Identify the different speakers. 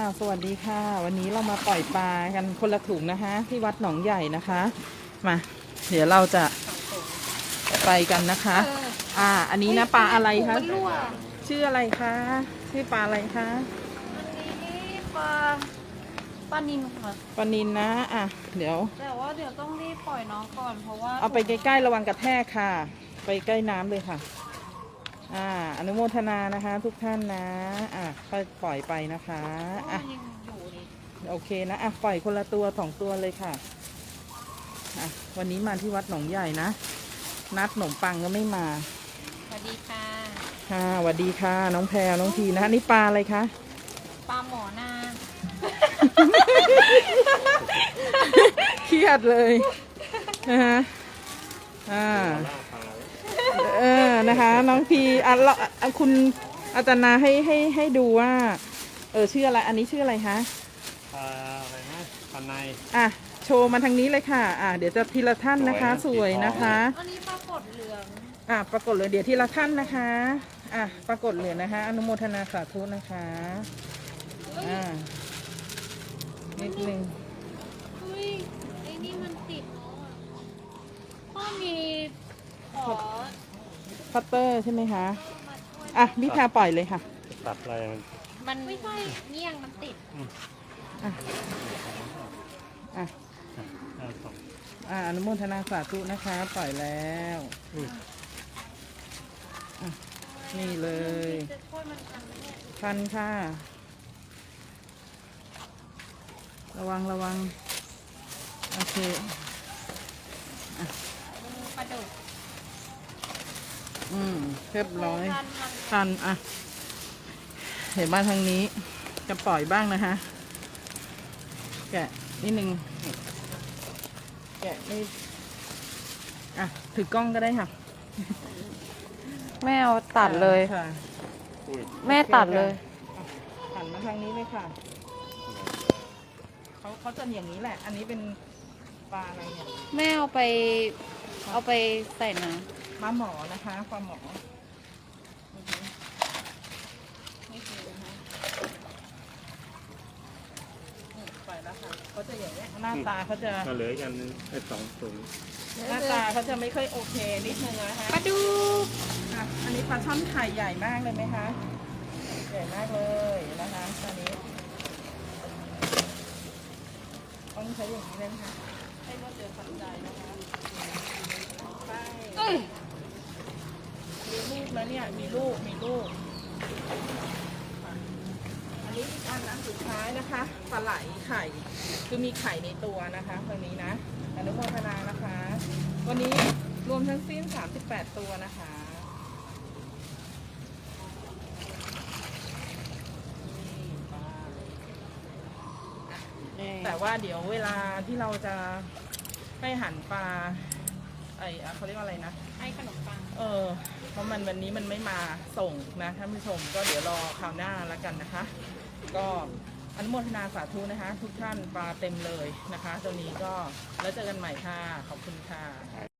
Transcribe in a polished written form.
Speaker 1: สวัสดีค่ะวันนี้เรามาปล่อยปลากันคนละถุงนะคะที่วัดหนองใหญ่นะคะมาเดี๋ยวเราจะไปกันนะคะอันนี้นะปลาอะไรคะชื่ออะไรคะชื่อปลาอะไรคะ
Speaker 2: อันนี้ปลานิลค่ะ
Speaker 1: ปลานิลนะเดี๋ยว
Speaker 2: แต่ว่าเดี๋ยวต้องรีบปล่อยน้องก่อนเพราะว่า
Speaker 1: เอาไปใกล้ๆระวังกระแทกค่ะไปใกล้น้ำเลยค่ะอนุโมทนานะคะทุกท่านนะค่อยปล่อยไปนะคะโอเคนะปล่อยคนละตัว2ตัวเลยค่ะวันนี้มาที่วัดหนองใหญ่นะนัดขนมปังก็ไม่มา
Speaker 2: สวัสดีค่ะ
Speaker 1: สวัสดีค่ะน้องแพรน้องทีนะนี่ปลาอะไรคะ
Speaker 2: ปลาหมอนา
Speaker 1: เครียดเลยนะคะนะคะน้องพีคุณอาจารย์นาให้ดูว่าชื่ออะไรอันนี้ชื่ออะไรคะ
Speaker 3: อะไรนะปันใน
Speaker 1: โชว์มาทางนี้เลยค่ะเดี๋ยวจะทีละท่านนะคะสวยนะคะ
Speaker 2: อันนี้ปรากฏเหลือง
Speaker 1: ปรากฏเหลืองเดี๋ยวทีละท่านนะคะปรากฏเหลืองนะคะอนุโมทนาสาธุนะคะนิดนึง
Speaker 2: ไอ้นี่มันติดพ่อมีขอ
Speaker 1: คัตเตอร์ใช่ไหมคะวิชาปล่อยเลยค่ะ
Speaker 3: ตัดอะไร
Speaker 2: มันไม่ใช่เงี้ยงมันติด
Speaker 1: อนุโมทนาสาธุนะคะปล่อยแล้วนี่เลยทันค่ะระวังโอเค
Speaker 2: ปลาดุก
Speaker 1: เรียบร้อยทันเห็นบ้านทางนี้จะปล่อยบ้างนะคะแกะนิดนึงแกะไม่ถือกล้องก็ได้ค่ะ
Speaker 2: แม่เอาตัดเลยแม่ตัดเลย
Speaker 1: หันมาทางนี้เลยค่ะเขาจะอย่างนี้แหละอันนี้เป็นปลาอะไรเนี่ย
Speaker 2: แม่เอาไปใส่น้
Speaker 1: ำปลาหมอนะคะปลาหมอนี่คือนะคะปล่อยแล้วค่ะเขาจะอย่างนี้หน้าตาเขาจะ
Speaker 3: เหลือกัน2 ถุง
Speaker 1: หน้าตาเขาจะไม่ค่อยโอเคนิดนึงนะคะ
Speaker 2: ปลาดุก
Speaker 1: อันนี้ปลาช่อนไข่ใหญ่มากเลยไหมคะใหญ่มากเลยนะคะตอนนี้ต้องใช้อย่างนี้เลยค่ะให้รวดเร็วทันใจนะคะใช่มีลูกแล้วเนี่ยมีลูกอันนี้อีกอันสุดท้ายนะคะปลาไหลไข่คือมีไข่ในตัวนะคะตรงนี้นะอนุโมทนานะคะวันนี้รวมทั้งสิ้น38ตัวนะคะแต่ว่าเดี๋ยวเวลาที่เราจะให้หั่นปลาเขาเรียกว่าอะไรนะ
Speaker 2: ให้ขนมปัง
Speaker 1: เพราะวันนี้มันไม่มาส่งนะท่านผู้ชมก็เดี๋ยวรอคราวหน้าแล้วกันนะคะก็อนุโมทนาสาธุนะคะทุกท่านปลาเต็มเลยนะคะตัวนี้ก็แล้วเจอกันใหม่ค่ะขอบคุณค่ะ